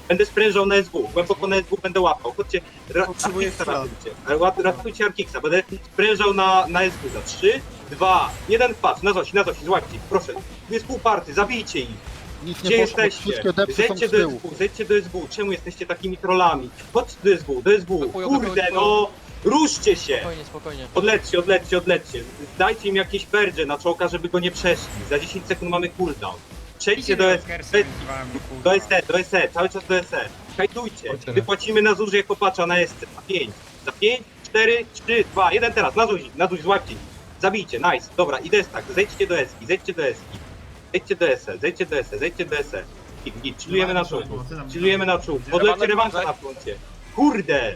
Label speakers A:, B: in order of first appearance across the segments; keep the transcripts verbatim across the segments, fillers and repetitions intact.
A: Będę sprężał na S W, głęboko na S W będę łapał. Chodźcie, ra
B: Potrzebuję
A: Arkiksa
B: chwila.
A: ratujcie. Ra- Ratujcie Arkiksa, będę sprężał na, na S W za trzy, dwa, jeden, patrz, na Zosi, na Zosi, złapcie ich, proszę. Tu jest pół party, zabijcie ich.
C: Nic
A: Gdzie
C: nie poszło,
A: jesteście?
C: wszystkie depsy są
A: Zejdźcie
C: z
A: do
C: tyłu.
A: S W, zejdźcie do S W, czemu jesteście takimi trollami? Chodźcie do S W, do S W,
D: Blokują,
A: kurde
D: blokują,
A: no! Ruszcie się!
D: Spokojnie, spokojnie.
A: Odlećcie, odlećcie, odlećcie. Dajcie im jakieś perdże na czołka, żeby go nie przeszli. Za dziesięć sekund mamy cooldown. Przejdźcie do S E, do S E, do S E, cały czas do S E. Hajtujcie. Wypłacimy na zuż jako patcha na S C. Za pięć, za pięć, cztery, trzy, dwa, jeden teraz. Na zuż, na zuż, złapcie ich. Zabijcie, nice. Dobra, i destak. Zejdźcie do Eski, zejdźcie do Eski. Zejdźcie do S E, zejdźcie do S E, zejdźcie do S E. Git, git, chillujemy na czołgu. Chillujemy na czołgu. Odlećcie rewansa na froncie. Kurde!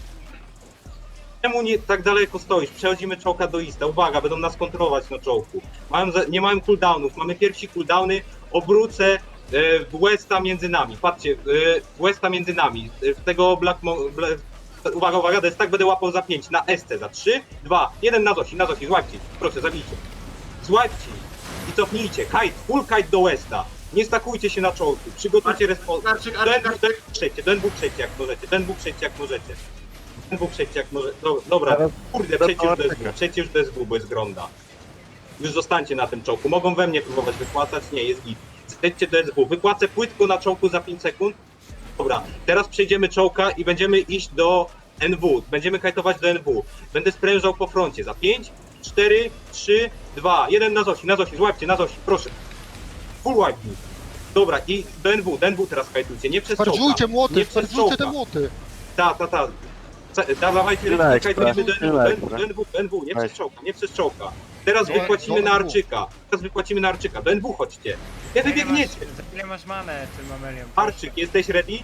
A: Czemu nie tak daleko stoisz? Przechodzimy czołka do Ista. Uwaga, będą nas kontrolować na czołku. Mają za, nie mają cooldownów. Mamy pierwsi cooldowny. Obrócę e, Westa między nami. Patrzcie, e, Westa między nami. E, tego Black Mo Bla Uwaga, uwaga, to jest tak, będę łapał za pięć. Na S C za trzy, dwa, jeden na Zosi, na Zosi. Złapcie ich. Proszę, zabijcie. Złapcie ich. I cofnijcie. Kite, full kite do Westa. Nie stakujcie się na czołku. Przygotujcie respons. Do N W przejdźcie, do N W przejdźcie jak możecie. Do N W przejdźcie jak możecie. D S W przejdźcie jak może. Do, dobra, kurde, przejdźcie już do S W, przejdźcie już do S W, bo jest gronda. Już zostańcie na tym czołku. Mogą we mnie próbować wypłacać? Nie, jest git. Zejdźcie do S W. Wypłacę płytko na czołku za pięć sekund. Dobra, teraz przejdziemy czołka i będziemy iść do N W. Będziemy kajtować do N W. Będę sprężał po froncie za pięć, cztery, trzy, dwa, jeden na Zosi, na Zosi, złapcie, na Zosi, proszę. Full wipe. Dobra, i do N W, do N W teraz kajtujcie, nie przez czołka.
C: Spardżujcie młoty,
A: Nie przez
C: spardżujcie te
A: czołka.
C: młoty.
A: Ta, ta, ta. Da- Dawajcie
E: Tyle
A: ręce,
E: ekstra,
A: kajtujemy do
E: tyle
A: N W,
E: ekstra.
A: do N W, do N W, nie przez
E: Nice.
A: czołka, nie przez czołka. Teraz
C: Do-
A: wypłacimy
C: do
A: na
C: N W.
A: Arczyka. Teraz wypłacimy na Arczyka. Do N W chodźcie. Kiedy biegniecie?
B: Ile masz manę tym Amelią?
A: Arczyk, jesteś ready?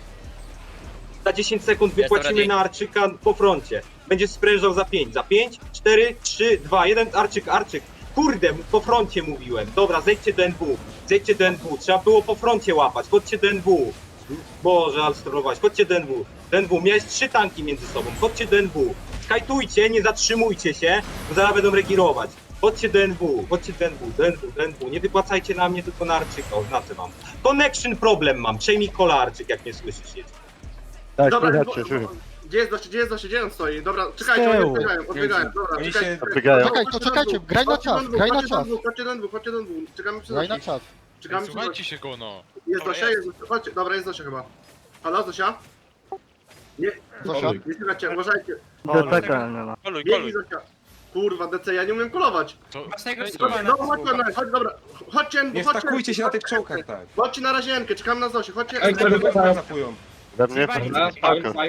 A: Za dziesięć sekund
D: Jestem
A: wypłacimy
D: ready.
A: na Arczyka po froncie. Będziesz sprężał za pięć. Za pięć, cztery, trzy, dwa, jeden. Arczyk, Arczyk. Kurde, po froncie mówiłem. Dobra, zejdźcie do N W. Zejdźcie do N W. Trzeba było po froncie łapać. Chodźcie do N W. Boże, ale sterować. Chodźcie do N W. Do N W. Miałeś trzy tanki między sobą. Chodźcie do N W. Kajtujcie, nie zatrzymujcie się, bo zaraz będą regirować. Chodźcie do N W, chodźcie do N W, do N W, do N W. Nie wypłacajcie na mnie, tylko na Arczyka, oznaczę wam. Connection problem mam. Przejmij kola, Arczyk, jak mnie słyszysz. Jedź.
E: Tak,
F: Dobra,
E: słychać cię,
F: bo-
E: słychać.
F: Gdzie jest Doszy, gdzie jest Doszy, gdzie on stoi? Dobra, czekajcie, oni odbiegają, odbiegają, dobra,
B: Oni
F: czekajcie.
B: się-
E: Odbiegają.
C: Czekaj, to czekajcie, graj na czas, graj na czas.
F: Chodźcie do N W, chodźcie do N W, czekamy przy
C: Graj na
F: Dosi.
C: czas.
F: Czekamy przy
G: Słuchajcie
F: Dosi.
G: się go, no.
F: Jest
G: Dobra,
F: Dosia, jest, chodźcie, dobra, jest Dosia chyba. Halo, Dosia? Nie,
C: Zosia?
F: nie słuchajcie, uważajcie.
G: Koluj,
F: Biegnij
G: koluj.
F: Dosia. Kurwa, D C, ja nie umiem kolować.
G: To...
B: Masz tego
F: Dobra,
B: skubana.
F: dobra, chodźcie, na- chodź, dobra, chodźcie, N W,
B: Nie
F: chodźcie.
B: stakujcie się na tych czołkach, tak.
F: Chodźcie na razienkę, czekamy na Zosię, chodźcie.
B: Zapują.
E: Dla mnie to spoko, spoko.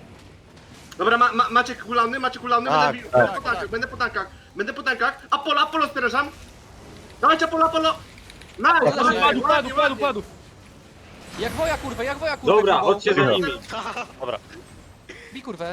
F: Dobra, ma, ma, macie kulany, macie kulany,
E: Tak,
F: będę,
E: tak.
F: będę po tankach, będę po tankach, będę po tankach. Apollo, Apollo sprężam. Dawajcie Apollo, Apollo. Nice,
D: Padł,
F: ładnie,
D: padł, padł,
F: ładnie,
D: padł,
F: ładnie.
D: padł. Jak woja kurwa, jak woja kurwa.
A: Dobra,
D: kurwa.
A: chodźcie za nimi.
D: Bij kurwę.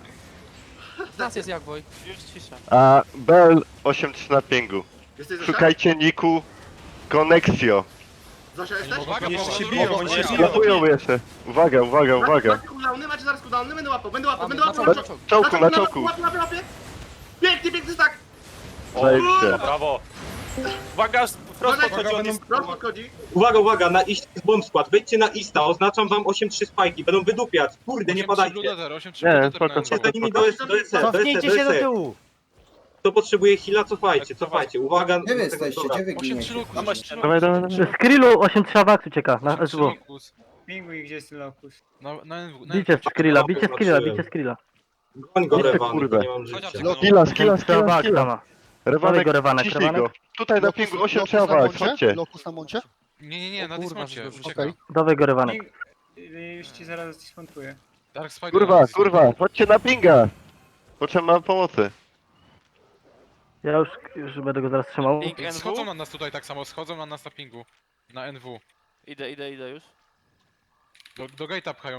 D: Nas jest jak woj.
G: Już cisza.
E: A Bell osiem trzy na pingu.
F: Jesteś Zosia?
E: Szukajcie niku Konexio.
F: Zosia jesteś?
G: Uwaga,
B: Oni
G: bo
B: jeszcze się
G: on
B: biją,
G: robi-
B: oni się
G: on
B: biją.
G: robi-
E: Ratują jeszcze. Uwaga, uwaga, uwaga.
F: Macie cooldowny, macie zaraz cooldowny, będę łapał, będę łapał,
D: Mamy,
F: będę
D: na
F: łapał.
D: czołgu, na
E: Czołku, na czołku.
F: Łapie, łapie, łapie. Pięknie, piękny tak.
E: Zajebiście.
G: Brawo. Uwaga, wprost
F: Uwaga,
G: podchodzi, on jest...
F: Prosto chodzi.
A: Uwaga, uwaga, na iść z bomb skład. Wejdźcie na Ista, oznaczam wam osiem trzy spajki. Będą wydupiać. Kurde, nie padajcie.
E: Nie, spoko,
A: Chodźcie
E: spoko,
A: za nimi
E: spoko.
A: do S E, do S E, do S E, do S E. Kto potrzebuje heala, cofajcie, cofajcie. Uwaga.
H: Gdzie wy jesteście?
A: Dobra.
H: Gdzie wy
G: osiem trzy
H: giniecie?
G: lokus, osiem trzy
E: Dawaj, dawaj, dawaj.
I: Z Skrillu osiem trzy Awax ucieka na
G: lokus.
I: S W.
B: Pinguj, gdzie jest ten lokus.
G: Na, na N W, na
I: Bicie z Skrilla,
A: Dobra,
I: bicie Skrilla,
A: zobaczyłem.
I: bicie Skrilla.
A: Goń go,
E: Kurde,
A: Rewan,
E: kurde.
A: nie mam życia.
G: No.
E: Skilla, skilla,
I: trzy
E: skilla,
I: Awax
E: skilla.
I: ma.
E: Rewanek,
I: go, Rewanek,
E: ciśnij
I: Rewanek.
E: go. Tutaj na pingu osiem trzy Awax, chodźcie.
C: Lokus na moncie?
G: Nie, nie, nie, na
D: O kurwa,
G: dysmocie,
D: że dobrze.
G: ucieka.
C: Okej.
I: Dawaj go Rewanek.
B: Ping... Już ci zaraz skontuję.
G: Dark Spider
E: Kurwa,
G: na
E: kurwa, chodźcie na pinga. Potrzeba pomocy.
I: Ja już, już będę go zaraz trzymał.
G: Ej, schodzą na nas tutaj tak samo, schodzą na nas na pingu. Na N W.
D: Idę, idę, idę już.
G: Do, do gate'a pchają.